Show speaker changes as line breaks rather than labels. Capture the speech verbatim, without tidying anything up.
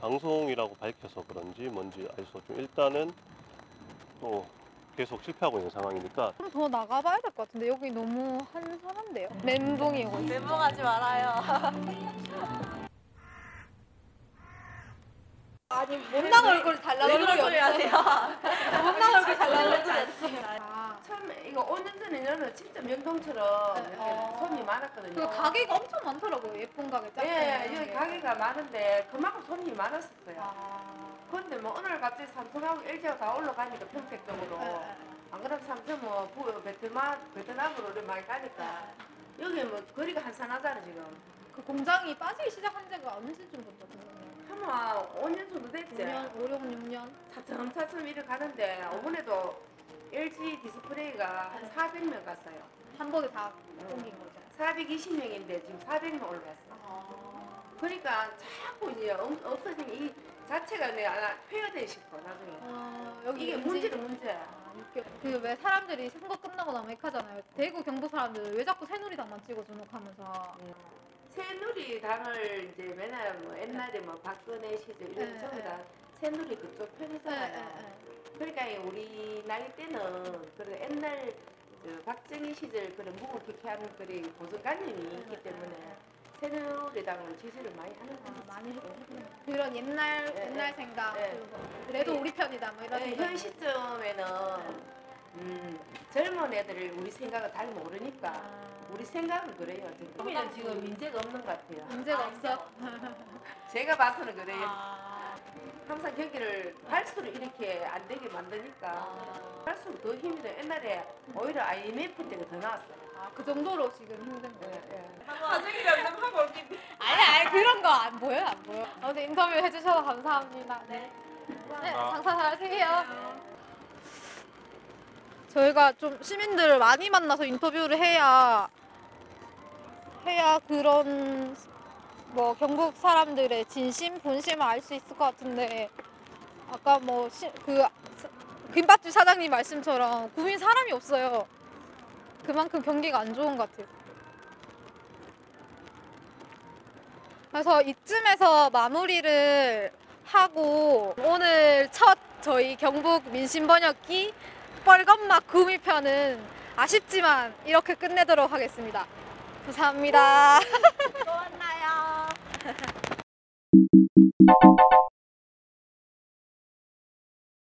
방송이라고 밝혀서 그런지 뭔지 알 수 없지만 일단은 또 계속 실패하고 있는 상황이니까
좀 더 나가봐야 될 것 같은데 여기 너무 한산한데요? 멘붕이 오고 있어요.
멘붕하지 말아요.
아니 못난 얼굴 달라는
왜 그런
얼굴이
소리 하세요?
못난 얼굴 달라는 얼굴이 없어요. 아,
처음에 이거 오 년 전에는 진짜 명동처럼
네.
이렇게
어.
손님이 많았거든요.
그 가게가 엄청 많더라고요. 예쁜 가게 짝퉁.
예, 여기 가게가 많은데 그만큼 손님이 많았었어요.
아.
그런데 뭐 오늘 갑자기 삼성하고 엘지가 다 올라가니까 평택 쪽으로
네.
안 그러면 삼성 뭐 부- 베트남 베트남으로 우리 많이 가니까 여기 뭐 거리가 한산하잖아 지금.
그 공장이 빠지기 시작한 지가 어느 시즌 부터 됐어요?
한번 오 년 정도 됐지.
오 년, 오, 육 년?
차츰차츰 이렇게 가는데 이번에도 엘지 디스플레이가 한 사백 명 갔어요.
한 번에 다 옮긴 거죠.
사백이십 명인데 지금 사백 명 올라갔어.
아.
그러니까 자꾸 이제 없- 없어진 이 자체가 내가 폐허되고 싶어 나중에.
어, 여기
이게
왠지-
문제는 문제야.
그 왜 사람들이 선거 끝나고 나면 핵하잖아요. 대구 경북 사람들 왜 자꾸 새누리당만 찍어 주목하면서.
새누리당을 이제 맨날 뭐 옛날에 뭐 박근혜 시절 이런
네,
전부
네.
다 새누리 그쪽 편이잖아요.
네, 네,
그러니까 우리 나이 때는 그런 옛날 그 박정희 시절 그런 묵묵히하는 그런 고정관념이 있기 때문에 새누리당을 지지를 많이 하는
아,
거죠.
많이 했고 그런 옛날
네,
옛날
네.
생각
네.
그리고 그래도 우리 편이다 뭐 이런
네,
생각.
현 시점에는 음, 젊은 애들을 우리 생각을 잘 모르니까
아,
우리 생각은 그래요. 지금 지금 문제가 없는 것 같아요.
문제가 없어.
제가 봐서는 그래요.
아,
항상 경기를 갈수록 이렇게 안 되게 만드니까
아,
갈수록 더 힘이 돼. 옛날에 오히려 아이엠에프 때가 더 나았어요.
아, 그 정도로 지금 힘든
예,
거예요.
예.
나중에 면접 하고 올게.
아니 아니 그런 거 안 보여요 안 보여. 아무튼 인터뷰 해주셔서 감사합니다. 네. 네, 장사 잘 하세요. 저희가 좀 시민들을 많이 만나서 인터뷰를 해야 해야 그런 뭐 경북 사람들의 진심 본심을 알 수 있을 것 같은데 아까 뭐 그 김밥집 사장님 말씀처럼 구민 사람이 없어요. 그만큼 경기가 안 좋은 것 같아요. 그래서 이쯤에서 마무리를 하고 오늘 첫 저희 경북 민심번역기 뻘건막 구미편은 아쉽지만 이렇게 끝내도록 하겠습니다. 감사합니다.
또 만나요.